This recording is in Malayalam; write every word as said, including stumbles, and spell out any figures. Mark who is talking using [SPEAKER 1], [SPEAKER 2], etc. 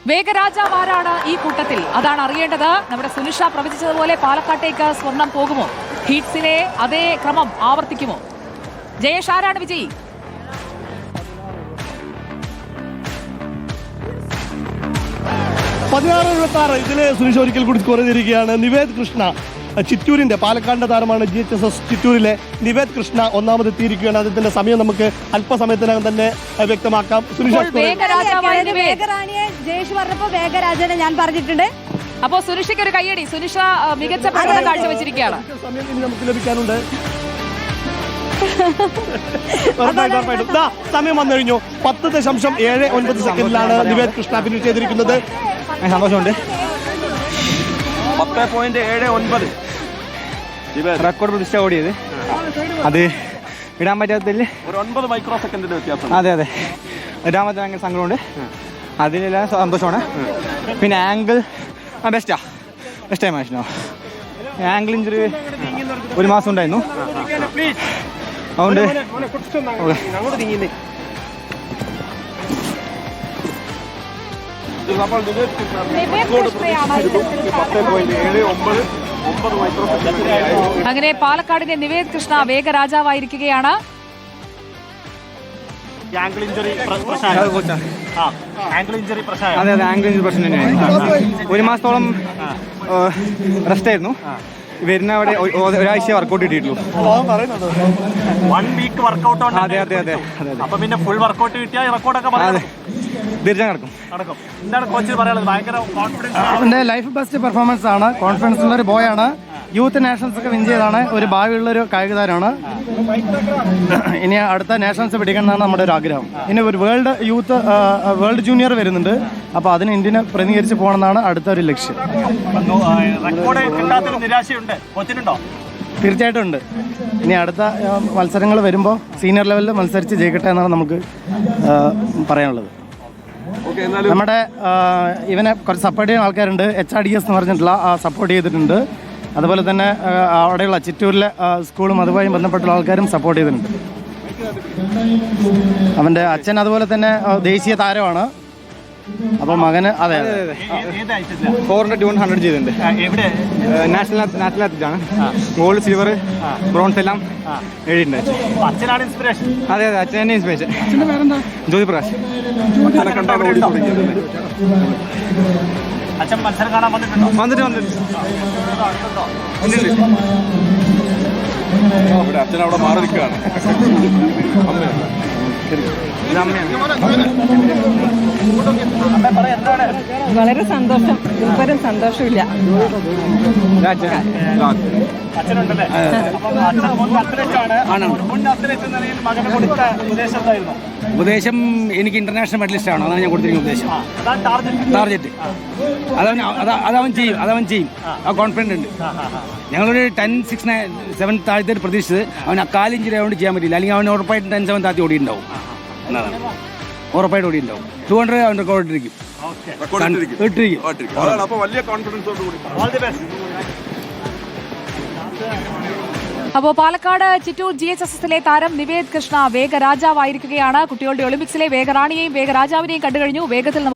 [SPEAKER 1] വേഗരാജാവാരാണ് ഈ കൂട്ടത്തിൽ? അതാണ് അറിയേണ്ടത്. നമ്മുടെ സുനിഷ പ്രവചിച്ചതുപോലെ പാലക്കാട്ടേക്ക് സ്വർണം പോകുമോ? ഹീറ്റ്സിലെ അതേ ക്രമം ആവർത്തിക്കുമോ? ജയേഷ്, ആരാണ് വിജയി?
[SPEAKER 2] പതിനാറ് എഴുപത്തി ആറ് ഇതില് സുനിഷ ഒരിക്കൽ കൂടി സ്കോർ ചെയ്തിരിക്കുകയാണ്. നിവേദ് കൃഷ്ണ, ചിറ്റൂരിന്റെ പാലക്കാടിന്റെ താരമാണ്. ജി എച്ച് എസ് എസ് ചിറ്റൂരിലെ നിവേദ് കൃഷ്ണ ഒന്നാമത് എത്തിയിരിക്കുകയാണ്. അതിന്റെ സമയം നമുക്ക് അല്പസമയത്തിനകം തന്നെ വ്യക്തമാക്കാം. സുനിഷ,
[SPEAKER 3] ജയേഷ് പറഞ്ഞപ്പോ വേഗരാജനെ ഞാൻ പറഞ്ഞിട്ടുണ്ട്.
[SPEAKER 1] അപ്പോ സുനിഷയ്ക്ക് ഒരു കയ്യടി. സുനിഷ മികച്ച പ്രകടനം കാഴ്ചവെച്ചിരിക്കുകയാണ്.
[SPEAKER 2] സമയം ഇനി നമുക്ക് ലഭിക്കാനുണ്ട്. സമയം വന്നു കഴിഞ്ഞു. പത്ത് ദശാംശം ഏഴ് ഒൻപത് സെക്കൻഡിലാണ് നിവേദ് കൃഷ്ണ ഫിനിഷ് ചെയ്തിരിക്കുന്നത്.
[SPEAKER 4] സന്തോഷമുണ്ട്. പത്ത് പോയിന്റ് ഏഴ് ഒൻപത് റെക്കോർഡ് പ്രതിഷ്ഠ ഓടിയത്. അത് ഇടാൻ പറ്റാത്തതിൽ ഒരു ഒൻപത് മൈക്രോ സെക്കൻഡിന്റെ വ്യത്യാസം. അതെ അതെ ഇടാൻ പറ്റാൻ ഭയങ്കര സങ്കടമുണ്ട്. അതിലെല്ലാം സന്തോഷമാണ്. പിന്നെ ആംഗിൾ ആ ബെസ്റ്റാ ബെസ്റ്റ് ടൈം ആയിരുന്നു. ആംഗിൾ ഇഞ്ചുറി ഒരു മാസം ഉണ്ടായിരുന്നു. അതുകൊണ്ട്
[SPEAKER 1] അങ്ങനെ പാലക്കാടിന്റെ നിവേദ് കൃഷ്ണ വേഗരാജാവായിരിക്കുകയാണ്.
[SPEAKER 4] അതെ അതെ ആംഗിൾ ഇഞ്ചുറി പ്രശ്നം തന്നെയായിരുന്നു. ഒരു മാസത്തോളം റെസ്റ്റ് ആയിരുന്നു. വരുന്ന അവിടെ ഒരാഴ്ച വർക്കൗട്ട് കിട്ടിയിട്ടുള്ളൂ.
[SPEAKER 5] One week workout.
[SPEAKER 4] അതെ അതെ അതെ
[SPEAKER 5] അപ്പൊ പിന്നെ ഫുൾ വർക്കൗട്ട് കിട്ടിയാൽ റെക്കോർഡൊക്കെ
[SPEAKER 4] അതെ തീർച്ചയായും നടക്കും.
[SPEAKER 5] നടക്കും. എന്താണ് കോച്ച് പറയാനുള്ളത്? ഭയങ്കര കോൺഫിഡൻസ്.
[SPEAKER 6] അവന്റെ ലൈഫ് ബെസ്റ്റ് പെർഫോമൻസ് ആണ്. കോൺഫിഡൻസ് ഉള്ള ഒരു ബോയ് ആണ്. യൂത്ത് നാഷണൽസ് ഒക്കെ വിൻ ചെയ്താണ്. ഒരു ഭാവിയുള്ള ഒരു കായിക താരമാണ്. ഇനി അടുത്ത നാഷണൽസ് പിടിക്കണം എന്നാണ് നമ്മുടെ ഒരു ആഗ്രഹം. ഇനി ഒരു വേൾഡ് യൂത്ത് വേൾഡ് ജൂനിയർ വരുന്നുണ്ട്. അപ്പോൾ അതിന് ഇന്ത്യനെ പ്രതിനിധീകരിച്ച് പോകണമെന്നാണ് അടുത്ത ഒരു ലക്ഷ്യം.
[SPEAKER 5] റെക്കോർഡ് കിട്ടാത്തൊരു നിരാശയുണ്ട് കോച്ചിനുണ്ടോ?
[SPEAKER 6] തീർച്ചയായിട്ടും ഉണ്ട്. ഇനി അടുത്ത മത്സരങ്ങൾ വരുമ്പോൾ സീനിയർ ലെവലിൽ മത്സരിച്ച് ജയിക്കട്ടെ എന്നാണ് നമുക്ക് പറയാനുള്ളത്. നമ്മുടെ ഇവനെ കുറച്ച് സപ്പോർട്ട് ചെയ്യുന്ന ആൾക്കാരുണ്ട്. എച്ച് ആർ ഡി എസ് എന്ന് പറഞ്ഞിട്ടുള്ള സപ്പോർട്ട് ചെയ്തിട്ടുണ്ട്. അതുപോലെ തന്നെ അവിടെയുള്ള ചിറ്റൂരിലെ സ്കൂളും അതുമായി ബന്ധപ്പെട്ടുള്ള ആൾക്കാരും സപ്പോർട്ട് ചെയ്തിട്ടുണ്ട്. അവൻ്റെ അച്ഛൻ അതുപോലെ തന്നെ ദേശീയ താരമാണ്. അപ്പോൾ മകന് അതെ അതെ
[SPEAKER 4] ഫോർ ഹൺഡ്രഡ് ടു ഹൺഡ്രഡ് ചെയ്തിട്ടുണ്ട്. നാഷണൽ നാഷണൽ അത്ലറ്റാണ്. ഗോൾഡ് സിൽവർ ബ്രോൺസ് എല്ലാം എഴുതിയിട്ടുണ്ട്.
[SPEAKER 5] അച്ഛനാണ് ഇൻസ്പിറേഷൻ.
[SPEAKER 4] അതെ അതെ അച്ഛൻ തന്നെ ഇൻസ്പിറേഷൻ. ജ്യോതി പ്രകാശ്.
[SPEAKER 5] അച്ഛൻ മത്സരം കാണാൻ വന്നിട്ടുണ്ടോ?
[SPEAKER 4] വന്നിട്ട് വന്നിട്ട്
[SPEAKER 2] അച്ഛൻ അവിടെ മാറി നിൽക്കുകയാണ്.
[SPEAKER 3] വളരെ സന്തോഷം. ഇവരും സന്തോഷമില്ല.
[SPEAKER 5] അച്ഛനുണ്ടല്ലേ?
[SPEAKER 7] ഉപദേശം എനിക്ക് ഇന്റർനാഷണൽ മെഡലിസ്റ്റ് ആണ്. അതാണ് ഞാൻ കൊടുത്തിരിക്കുന്ന ഉപദേശം. ടാർജറ്റ് അതവൻ അതവൻ ചെയ്യും അതവൻ ചെയ്യും ആ കോൺഫിഡൻസ് ഉണ്ട്. ഞങ്ങളൊരു ടെൻ സിക്സ് നയൻ സെവൻ താഴ്ത്തി പ്രതീക്ഷിച്ചത് അവൻ ആ കാലിഞ്ചിരി ആയതുകൊണ്ട് ചെയ്യാൻ പറ്റില്ല. അല്ലെങ്കിൽ അവൻ ഉറപ്പായിട്ടും ടെൻ സെവൻ താഴ്ത്തി ഓടിയിട്ടുണ്ടാവും എന്നതാണ്. ഉറപ്പായിട്ട് ഓടിയിട്ടുണ്ടാവും. ടു ഹൺഡ്രഡ് അവൻ റെക്കോർഡ് ഇട്ടിരിക്കും ഇട്ടിരിക്കും.
[SPEAKER 1] അപ്പോൾ Palakkad Chittur G H S എസിലെ താരം നിവേദ് കൃഷ്ണ വേഗരാജാവായിരിക്കുകയാണ്. കുട്ടികളുടെ ഒളിമ്പിക്സിലെ വേഗറാണിയെയും വേഗരാജാവിനെയും കണ്ടുകഴിഞ്ഞു. വേഗത്തിൽ